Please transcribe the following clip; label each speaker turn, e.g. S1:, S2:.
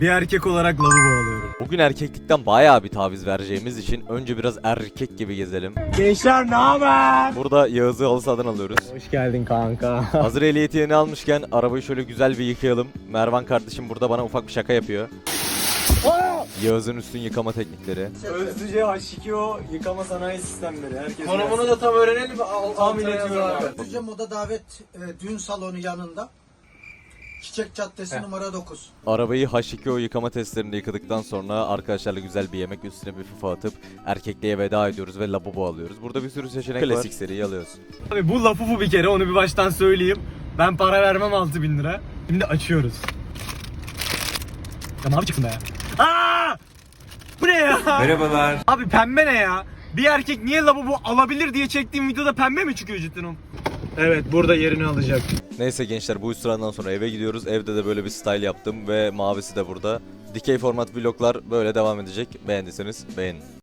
S1: Bir erkek olarak lavabo alıyorum.
S2: Bugün erkeklikten bayağı bir taviz vereceğimiz için önce biraz erkek gibi gezelim.
S1: Gençler ne haber?
S2: Burada Yağız'ı halı sahadan alıyoruz.
S1: Hoş geldin kanka.
S2: Hazır ehliyeti yeni almışken arabayı şöyle güzel bir yıkayalım. Mervan kardeşim burada bana ufak bir şaka yapıyor. Yağız'ın üstün yıkama teknikleri.
S1: Özlüce H2O yıkama sanayi sistemleri. Herkes
S3: Konumunu da tam öğrenelim mi?
S1: tahmin ediyorum abi.
S3: Özce Moda Davet düğün salonu yanında. Çiçek Caddesi numara 9.
S2: Arabayı H2O yıkama testlerinde yıkadıktan sonra arkadaşlarla güzel bir yemek, üstüne bir FIFA atıp erkekliğe veda ediyoruz ve lavabo alıyoruz. Burada bir sürü seçenek var. Klasik seriyi alıyoruz.
S1: Abi bu lafı bu bir kere, onu bir baştan söyleyeyim. Ben para vermem 6.000 lira. Şimdi açıyoruz. Ya mavi çıksın be. Aa! Bu ne ya? Merhabalar. Abi pembe ne ya? Bir erkek niye lavabo alabilir diye çektiğim videoda pembe mi çıkıyor cidden o? Evet, burada yerini alacak.
S2: Neyse gençler, bu üstünden sonra eve gidiyoruz. Evde de böyle bir style yaptım ve mavisi de burada. Dikey format vloglar böyle devam edecek. Beğendiyseniz beğenin.